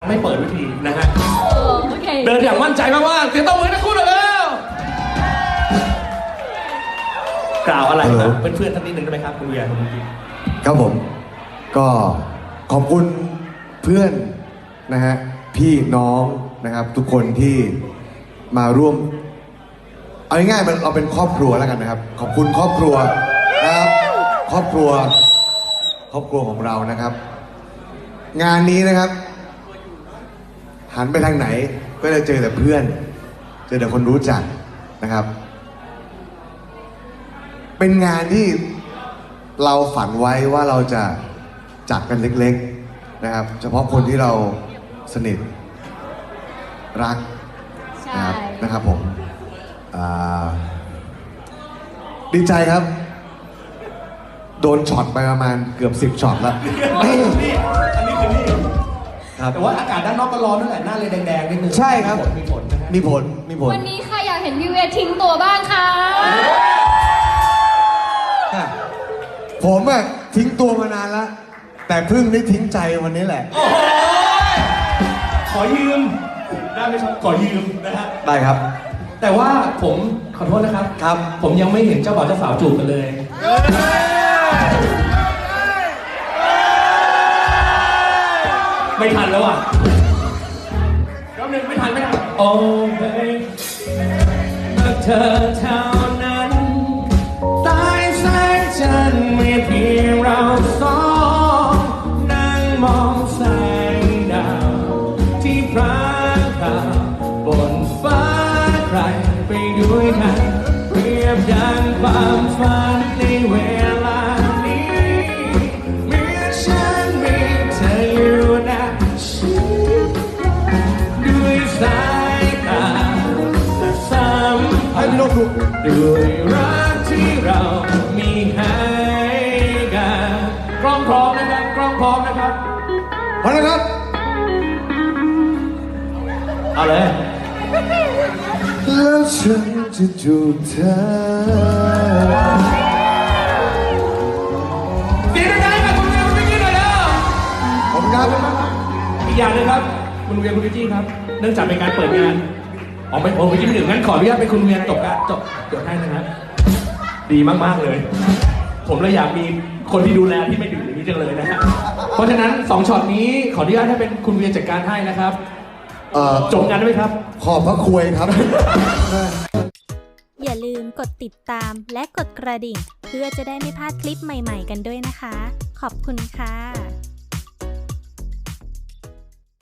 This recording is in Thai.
ไม่เปิดวิธีนะฮะโอเคเดินอย่างมั่นใจมากๆเตรียมตัวมือทั้งคู่เลยแล้วกล่าวอะไรกับเพื่อนๆท่านนิดนึงได้ไหมครับคุณเวียคุณกิ๊กครับผมก็ขอบคุณเพื่อนนะฮะพี่น้องนะครับทุกคนที่มาร่วมเอาง่ายๆเราเป็นครอบครัวแล้วกันนะครับขอบคุณครอบครัวนะครับครอบครัวของเรานะครับ งานนี้นะครับ หันไปทางไหนก็จะเจอแต่เพื่อนเจอแต่คนรู้จักนะครับ เป็นงานที่เราฝันไว้ว่าเราจะจัดกันเล็กๆนะครับเฉพาะคนที่เราสนิทรักนะครับผมดีใจครับ โดนช็อตไปประมาณเกือบ10ช็อตแล้วอันนี้คือนี่ครับแต่ว่าอากาศด้านนอกก็ร้อนนั่นแหละหน้าเลยแดงๆนิดนึงใช่ครับมีผลนะฮะมีผลวันนี้ค่ะอยากเห็นพี่เวียทิ้งตัวบ้างค่ะผมอะทิ้งตัวมานานแล้วแต่เพิ่งได้ทิ้งใจวันนี้แหละโอ้โหขอยืมได้ไหมครับขอยืมนะฮะได้ครับแต่ว่าผมขอโทษนะครับครับผมยังไม่เห็นเจ้าบ่าวเจ้าสาวจูบกันเลยไม่ทันแล้วอ่ะรอบหนึ่งไม่ทันโอ้เบย์เมื่อเธอเท่านั้นใต้แสงจันทร์มีเพียงเราสองนั่งมองแสงดาวที่พรางพราวบนฟ้าใครไปด้วยกันเปรียบดังความฝันในเวลานี้เมื่อฉันมีเธออยู่นะด้วยสายตาและสัมพันธ์ด้วยรักที่เรามีให้กันกล้องพร้อมนะครับกล้องพร้อมนะครับพร้อมนะครับเอาเลยแล้วฉันจะจูบเธอเสียงดังๆกับคุณเวียคุณวิกกี้หน่อยแล้วผมครับอีกอย่างหนึงครับคุณเวียคุณวิกกี้ครับเนื่องจากเป็นการเปิดงานอ๋อไม่ผมวิกกี้ไม่ถึงงั้นขออนุญาตเป็นคุณเวียจบให้นะครับดีมากๆเลย ผมเลยอยากมีคนที่ดูแลที่ไม่ดื่มอย่างนี้จังเลยนะฮะเพราะฉะนั้น2ช็อตนี้ขออนุญาตให้เป็นคุณเวียจัดการให้นะครับจบงานได้ไหมครับขอบพระคุยครับอย่าลืมกดติดตามและกดกระดิ่ง เพื่อจะได้ไม่พลาดคลิปใหม่ๆกันด้วยนะคะ ขอบคุณค่ะ